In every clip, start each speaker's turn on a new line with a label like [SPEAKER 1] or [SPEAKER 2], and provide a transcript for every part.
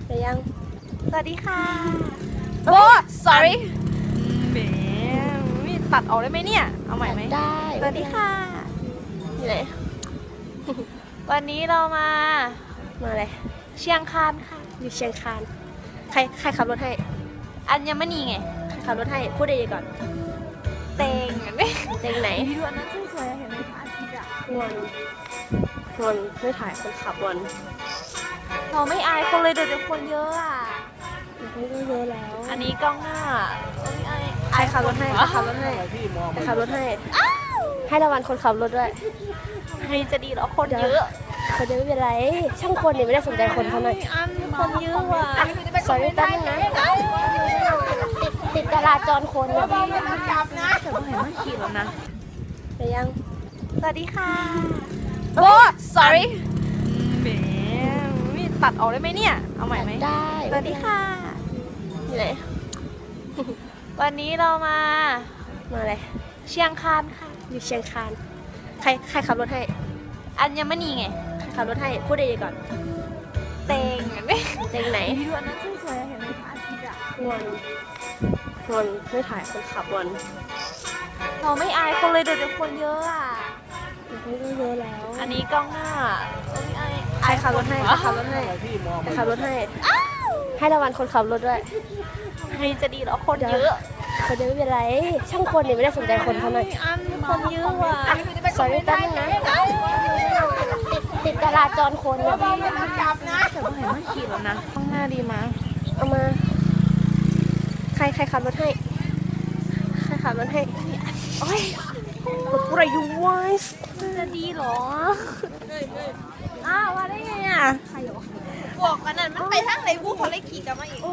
[SPEAKER 1] แต่ยัง
[SPEAKER 2] สวัสดีค่ะโอ้ sorry แหมตัดออกได้ไหมเนี่ย เอาใหม่ไหม
[SPEAKER 1] ได้
[SPEAKER 2] สวัสดีค่ะ
[SPEAKER 1] อยู่ไหน
[SPEAKER 2] วันนี้เรามา
[SPEAKER 1] มาอะไร
[SPEAKER 2] เชียงคานค่ะ
[SPEAKER 1] อยู่เชียงคานใครขับรถให้
[SPEAKER 2] อัญมณีไง
[SPEAKER 1] ใครขับรถให้พูดดีๆก่อน
[SPEAKER 2] เตงนี่
[SPEAKER 1] เต็งไหน
[SPEAKER 2] ดูอันนั้นสวยๆเห็นไหมพระอาทิตย์อะ
[SPEAKER 1] งอนไม่ถ่ายคนขับงอน
[SPEAKER 2] เราไม่อายคนเลยเดี๋ยวคนเยอะอ่ะ
[SPEAKER 1] เขาก็เยอะแล้ว
[SPEAKER 2] อันนี้กล้องหน้าเราไม่อาย
[SPEAKER 1] ใครขับรถให้ใครขับรถให้ใครขับรถให้ให้รางวัลคนขับรถด้วย
[SPEAKER 2] ให้จะดีเหรอคนเยอะ
[SPEAKER 1] คนเยอะไม่เป็นไรช่างคนนี่ไม่ได้สนใจคนเท่านั้น
[SPEAKER 2] อันคนเยอะว่ะ
[SPEAKER 1] สอยแป๊บนึงนะติดจราจรคนเนี่ย
[SPEAKER 2] จับนะแต่ว่าเห็นว่าขี่แล้วนะ
[SPEAKER 1] แต่ยัง
[SPEAKER 2] สวัสดีค่ะโอ้ sorry แหมตัดออกได้ไหมเนี่ย เอาใหม่ไหม
[SPEAKER 1] ได้
[SPEAKER 2] สวัสดีค่ะ
[SPEAKER 1] อยู่ไหน
[SPEAKER 2] วันนี้เรามา
[SPEAKER 1] มาอะไร
[SPEAKER 2] เชียงคานค่ะ
[SPEAKER 1] อยู่เชียงคานใครขับรถให้
[SPEAKER 2] อัญมณีไง
[SPEAKER 1] ใครขับรถให้พูดดีๆก่อน
[SPEAKER 2] เตงนี่
[SPEAKER 1] เต็งไหน
[SPEAKER 2] ดูอันนั้นสวยๆเห็นไหมพระอาทิตย์อะ
[SPEAKER 1] งอนไม่ถ่ายคนขับงอน
[SPEAKER 2] เราไม่อายคนเลยเดี๋ยวคนเยอะอ่ะ
[SPEAKER 1] เขาก็เยอะแล้ว
[SPEAKER 2] อันนี้กล้องหน้าเราไม่อาย
[SPEAKER 1] ใครขับรถให้ใครขับรถให้ใครขับรถให้ให้รางวัลคนขับรถด้วย
[SPEAKER 2] ให้จะดีเหรอคนเยอะ
[SPEAKER 1] คนเยอะไม่เป็นไรช่างคนนี่ไม่ได้สนใจคนเท่านั้น
[SPEAKER 2] อันคนเยอะว่ะ
[SPEAKER 1] สอยแป๊บนึงนะติดจราจรคนเนี่ย
[SPEAKER 2] จับนะแต่ว่าเห็นว่าขี่แล้วนะกล้องหน้าดีมั้ย
[SPEAKER 1] เอามาใครขับรถให้ใครขับรถให้โอ้ยรถอะไรอยู่วะ
[SPEAKER 2] จะดีเหรออ้าวว่าได้ไงอ่ะบอกกันนั่นมันไปทางไหนกูเขาเลยขี่กลับมาอีก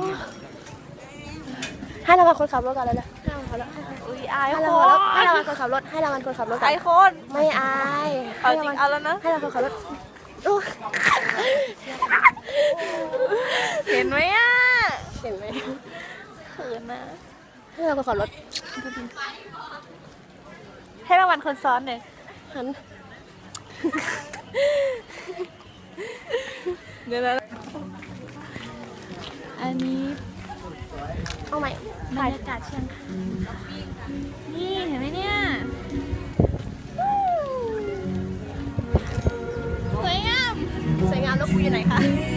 [SPEAKER 1] ให้รางวัลคนขับรถก่อนเลยนะให้รางวัลคนขับรถ
[SPEAKER 2] อุ้ยอาย
[SPEAKER 1] ให้
[SPEAKER 2] ค
[SPEAKER 1] รางวัล
[SPEAKER 2] น
[SPEAKER 1] ให้รางวัลคนขับรถให้รางวัลคนขับรถก่อ
[SPEAKER 2] อาน ยคน
[SPEAKER 1] ไม่อาย
[SPEAKER 2] เอาจริงเอาแล้วนะ
[SPEAKER 1] ให้รางวัลคนขับรถโอ้ย
[SPEAKER 2] เห็นไหมอ่ะ
[SPEAKER 1] เห็นไหม
[SPEAKER 2] เขินนะ
[SPEAKER 1] ให้รางวัลคนขับรถ
[SPEAKER 2] ให้รางวัลคนซ้อนเลย
[SPEAKER 1] หัน
[SPEAKER 2] เดี๋ยวนะอันนี้
[SPEAKER 1] เอาใหม่
[SPEAKER 2] บรรยากาศเชียงคานนี่เห็นไหมเนี่ยสวยงาม
[SPEAKER 1] สวยงามแล้วคุยอยู่ไหนคะ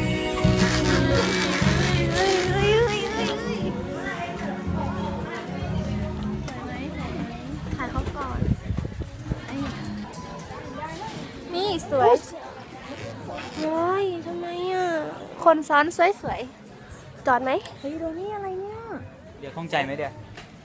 [SPEAKER 2] เฮ้ยเฮ้ยเฮ้ยเฮ้ยเฮ้ยถ่ายเขาก่อนนี่สวย
[SPEAKER 1] โอ้ยทำไมอ่ะ
[SPEAKER 2] คนซ้อนสวย
[SPEAKER 1] จอดไหม
[SPEAKER 2] ๆเฮ้ยโดนี่อะไรเนี่ย
[SPEAKER 3] เดี๋ยวข้องใจไหมเดี๋ยว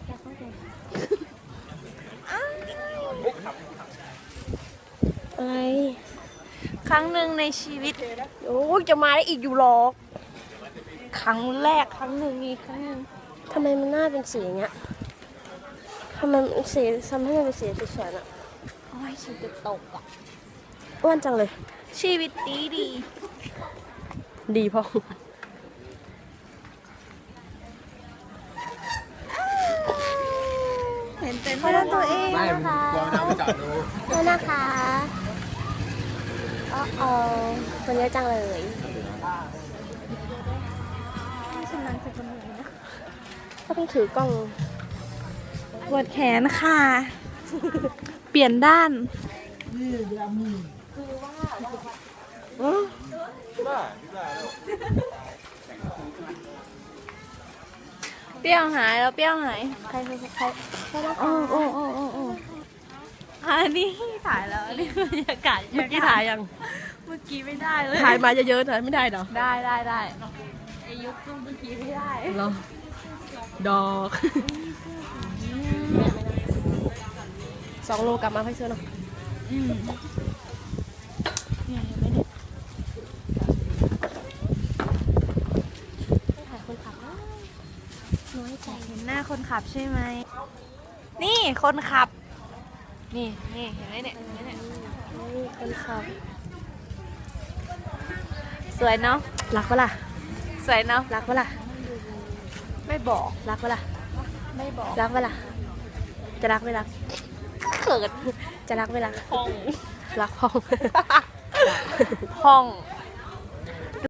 [SPEAKER 1] อะไร
[SPEAKER 2] ครั้งหนึ่งในชีวิต
[SPEAKER 1] โอ้ยจะมาได้อีกอยู่หรอก
[SPEAKER 2] ครั้งแรกครั้งหนึ่งมีครั้งหนึ่ง
[SPEAKER 1] ทำไมมันหน้าเป็นสีอย่างเงี้ยทำไมมันสีทำให้มันเป็นสีสวยๆอ่ะ
[SPEAKER 2] โอ้ยฉันจะตกอ่ะ
[SPEAKER 1] อ้วนจังเลย
[SPEAKER 2] ชีวิตดีดี
[SPEAKER 1] ดีพอ
[SPEAKER 2] เห็นเป็นหน้าตัวเอง
[SPEAKER 4] ไม่
[SPEAKER 2] นะคะ
[SPEAKER 4] กลัวน้ำไปจอดดู
[SPEAKER 1] นี่นะคะอ๋อคนเยอะจังเลย
[SPEAKER 2] ฉันนั่งจะเป็นอะไรนะ
[SPEAKER 1] ก็ต้องถือกล้อง
[SPEAKER 2] ปวดแขนค่ะ เปลี่ยนด้านเปรี้ยวหายแล้วเปรี้ยวหาย
[SPEAKER 1] ใครนะคะ
[SPEAKER 2] โอ้โอ้โอ้โอ้โอ้อันนี้ถ่ายแล้วอันนี้บรรยากาศ
[SPEAKER 1] เมื่อกี้ถ่ายยัง
[SPEAKER 2] เมื่อกี้ไม่ได้เลย
[SPEAKER 1] ถ่ายมาเยอะๆถ่ายไม่ได้เหรอ
[SPEAKER 2] ได้ไอยุคเมื่อกี้ไม่ได้
[SPEAKER 1] เหรอดอก2 โลกลับมาค่อยซื้อเนาะ
[SPEAKER 2] เนี่ยยังไม่ได้
[SPEAKER 1] ถ่ายคนขับน้อยใจ
[SPEAKER 2] เห็นหน้าคนขับใช่ไหมนี่คนขับ นี่เห็นไหมเนี่ยเห็นไหมเนี่ย
[SPEAKER 1] นี่คนขับ
[SPEAKER 2] สวยเนาะ
[SPEAKER 1] รักปะล่ะ
[SPEAKER 2] สวยเนาะ
[SPEAKER 1] รักปะล่ะ
[SPEAKER 2] ไม่บอก
[SPEAKER 1] รักปะล่ะ
[SPEAKER 2] ไม่บอก
[SPEAKER 1] รักปะล่ะจะรักไม่รัก
[SPEAKER 2] เขิน
[SPEAKER 1] จะรักไม่รัก
[SPEAKER 2] ห้อง
[SPEAKER 1] รักพ่อง
[SPEAKER 2] ห้อง